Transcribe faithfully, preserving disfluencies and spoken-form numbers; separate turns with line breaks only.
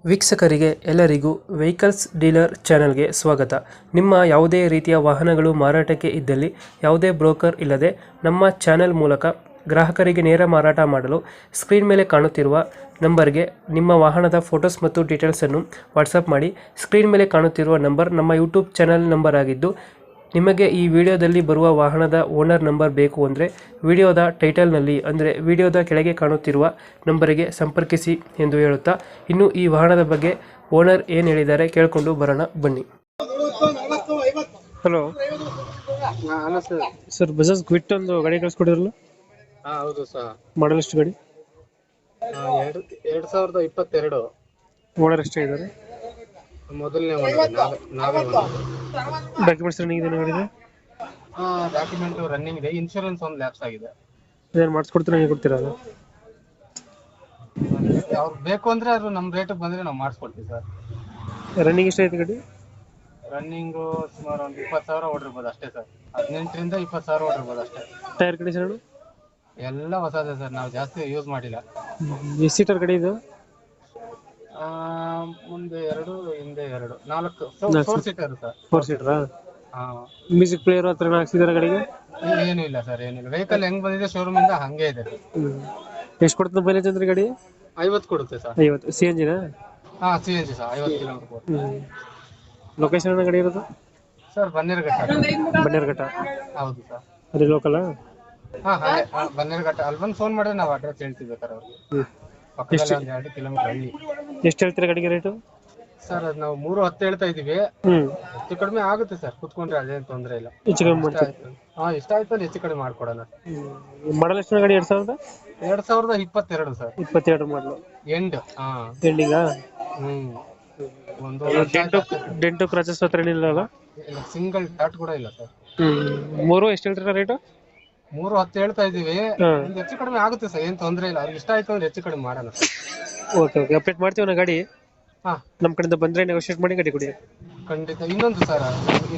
ವೀಕ್ಷಕರಿಗೆ ಎಲ್ಲರಿಗೂ vehicles dealer ಚಾನೆಲ್ಗೆ ಸ್ವಾಗತ. ನಿಮ್ಮ ಯಾವುದೇ ರೀತಿಯ ವಾಹನಗಳು ಮಾರಾಟಕ್ಕೆ ಇದ್ದಲ್ಲಿ ಯಾವುದೇ ಬ್ರೋಕರ್ ಇಲ್ಲದೆ ನಮ್ಮ ಚಾನೆಲ್ ಮೂಲಕ ಗ್ರಾಹಕರಿಗೆ ನೇರ ಮಾರಾಟ ಮಾಡಲು ಸ್ಕ್ರೀನ್ ಮೇಲೆ ಕಾಣುತ್ತಿರುವ ನಂಬರ್ಗೆ ನಿಮ್ಮ ವಾಹನದ ಫೋಟೋಸ್ ಮತ್ತು ಡೀಟೇಲ್ಸನ್ನು ವಾಟ್ಸಪ್ ಮಾಡಿ. ಸ್ಕ್ರೀನ್ ಮೇಲೆ ಕಾಣುತ್ತಿರುವ ನಂಬರ್ ನಮ್ಮ ಯೂಟ್ಯೂಬ್ ಚಾನೆಲ್ ನಂಬರ್ ಆಗಿದ್ದು, ನಿಮಗೆ ಈ ವಿಡಿಯೋದಲ್ಲಿ ಬರುವ ವಾಹನದ ಓನರ್ ನಂಬರ್ ಬೇಕು ಅಂದರೆ ವಿಡಿಯೋದ ಟೈಟಲ್ನಲ್ಲಿ ಅಂದರೆ ವಿಡಿಯೋದ ಕೆಳಗೆ ಕಾಣುತ್ತಿರುವ ನಂಬರಿಗೆ ಸಂಪರ್ಕಿಸಿ ಎಂದು ಹೇಳುತ್ತಾ, ಇನ್ನು ಈ ವಾಹನದ ಬಗ್ಗೆ ಓನರ್ ಏನು ಹೇಳಿದ್ದಾರೆ ಕೇಳಿಕೊಂಡು ಬರೋಣ ಬನ್ನಿ. Hello
hello sir.
Sir, Bajaj Qute ಒಂದು ಗಾಡಿ ಕಳಿಸ್ಕೊಡಿದ್ರಲ್ಲ,
ಹಾ ಹೌದು ಸರ್.
ಮಾಡಲ್ ಎಷ್ಟು ಗಾಡಿ?
ಎರಡು ಎರಡ್ ಸಾವಿರದ ಇಪ್ಪತ್ತೆರಡು.
ಓನರ್ ಎಷ್ಟೇ ಇದ್ದಾರೆ?
ಮೊದಲನೇ ಓನರ್ ನಾವೇ ನಾವೇ
ಡಾಕ್ಯುಮೆಂಟ್ಸ್ ರನ್ನಿಂಗ್ ಇದೆ ಗಾಡಿದೆ?
ಡಾಕ್ಯುಮೆಂಟ್ ರನ್ನಿಂಗ್ ಇದೆ. ಇನ್ಶೂರೆನ್ಸ್ ಒಂದು ಲ್ಯಾಪ್ಸ್ ಆಗಿದೆ.
ಏನು ಮಾಡಿಸ್ಕೊಡ್ತೀರಾ, ನೀವು ಕೊಡ್ತೀರಾ ಅದು?
ಅವ್ರು ಬೇಕು ಅಂದ್ರೆ ಅದು ನಮ್ಮ ರೇಟಿಗೆ ಬಂದ್ರೆ ನಾವು ಮಾಡಿಸ್ಕೊಡ್ತೀವಿ ಸರ್.
ರನ್ನಿಂಗ್ ಎಷ್ಟೈತೆ ಗಾಡಿ?
ರನ್ನಿಂಗು ಸುಮಾರು ಒಂದು ಇಪ್ಪತ್ತು ಸಾವಿರ ಓಡಿರ್ಬೋದು ಅಷ್ಟೇ ಸರ್. ಹದಿನೆಂಟರಿಂದ ಇಪ್ಪತ್ತು ಸಾವಿರ ಓಡಿರ್ಬೋದು ಅಷ್ಟೇ.
ಟೈರ್ ಕಂಡೀಷನ್
ಎಲ್ಲ ಹೊಸದೇ ಸರ್, ನಾವು ಜಾಸ್ತಿ ಯೂಸ್ ಮಾಡಿಲ್ಲ.
ಎಷ್ಟು ಸೀಟರ್ ಗಾಡಿ ಇದು?
ಆ, ಮುಂದೆ ಎರಡು ಹಿಂದೆ ಎರಡು ನಾಲ್ಕು ಫೋರ್ ಸೀಟರ್ ಸರ್.
ಫೋರ್ ಸೀಟರಾ?
ಹಾ.
ಮ್ಯೂಸಿಕ್ ಪ್ಲೇಯರ್ ಹತ್ರ ಹಾಕ್ಸಿದಾರೆ ಗಾಡಿಗೆ?
ಏನು ಇಲ್ಲ ಸರ್, ಏನಿಲ್ಲ. ವೆಹಿಕಲ್ ಹೆಂಗ್ ಬಂದಿದೆ ಶೋರೂಮ್ ಇಂದ ಹಂಗೆ ಇದೆ.
ಎಷ್ಟು ಕೊಡ್ತದೆ ಮೈಲೇಜ್ ಅಂದ್ರೆ ಗಾಡಿ?
ಐವತ್ತು ಕೊಡುತ್ತೆ ಸರ್.
ಐವತ್ತು ಸಿ ಎನ್ ಜಿನ?
ಹಾ, ಸಿ ಎನ್ ಜಿ ಸರ್. ಐವತ್ತು ಕಿಲೋಮೀಟರ್.
ಲೊಕೇಶನ್ ಗಾಡಿ ಇರೋದು
ಸರ್ ಬನ್ನೇರುಘಟ್ಟ.
ಬನ್ನೇರುಘಟ್ಟ?
ಹೌದು ಸರ್.
ಅಲ್ಲಿ ಲೋಕಲ್?
ಹಾ ಹಾ ಬನ್ನೇರುಘಟ್ಟ. ಅಲ್ಲಿ ಬಂದು ಫೋನ್ ಮಾಡಿದ್ರೆ ನಾವು ಅಡ್ರೆಸ್ ಹೇಳ್ತೀವಿ ಸರ್ ಅವ್ರಿಗೆ. ಪಕ್ಕದಲ್ಲಿ ಒಂದು ಎರಡು ಕಿಲೋಮೀಟರ್ ಹಳ್ಳಿ.
ಎಷ್ಟು ಹೇಳ್ತೀರಾ ಗಾಡಿಗೆ ರೇಟು?
ಸರ್ ಅದು ನಾವು ಮೂರು ಹತ್ತು ಹೇಳ್ತಾ ಇದೀವಿ.
ಹ್ಮ್
ಹೆಚ್ಚು ಕಡಿಮೆ ಆಗುತ್ತೆ ಸರ್, ಕುತ್ಕೊಂಡ್ರೆ ಅದೇನು ತೊಂದರೆ ಇಲ್ಲ.
ಹೆಚ್ಚು ಕಡಿಮೆ ಮಾಡ್ತೀರಾ?
ಹಾ, ಇಷ್ಟ ಆಯ್ತು ಅಂದ್ರೆ ಹೆಚ್ಚು ಕಡಿಮೆ ಮಾಡ್ಕೊಡೋಣ.
ಮಾಡಲ್ ಎಷ್ಟು ಗಾಡಿ? ಎರಡ್ ಸಾವಿರದ
ಎರಡ್ ಸಾವಿರದ ಇಪ್ಪತ್ತೆರಡು ಸರ್.
ಇಪ್ಪತ್ತೆರಡು ಮಾಡಲು
ಎಂಡ್. ಹಾ,
ಎಂಡಿಂಗಾ?
ಹ್ಮ್. ಒಂದು
ಡೆಂಟು ಡೆಂಟು ಕ್ರಾಚಸ್ ಹತ್ರ ಏನಿಲ್ಲ?
ಸಿಂಗಲ್ ಡಾಟ್ ಕೂಡ ಇಲ್ಲ ಸರ್.
ಹ್ಮ್ ಮೂರು ಎಷ್ಟು ಹೇಳ್ತೀರಾ ರೇಟು?
ಮೂರು ಹತ್ತು ಹೇಳ್ತಾ ಇದೀವಿ. ಒಂದು ಹೆಚ್ಚು ಕಡಿಮೆ ಆಗುತ್ತೆ ಸರ್, ಏನ್ ತೊಂದರೆ ಇಲ್ಲ. ಅವ್ರಿಗೆ ಇಷ್ಟ ಆಯ್ತು ಅಂದ್ರೆ ಹೆಚ್ಚು ಕಡಿಮೆ ಮಾಡೋಣ.
ಓಕೆ ಓಕೆ, ಅಪ್ಡೇಟ್ ಮಾಡ್ತೀವಿ ನಾ ಗಾಡಿ.
ಹಾ,
ನಮ್ಮ ಕಡೆಯಿಂದ ಬಂದ್ರೆ ನೆಗೋಶಿಯೇಟ್ ಮಾಡಿ ಗಾಡಿ ಕೊಡಿ.
ಖಂಡಿತ. ಇನ್ನೊಂದು ಸರ್,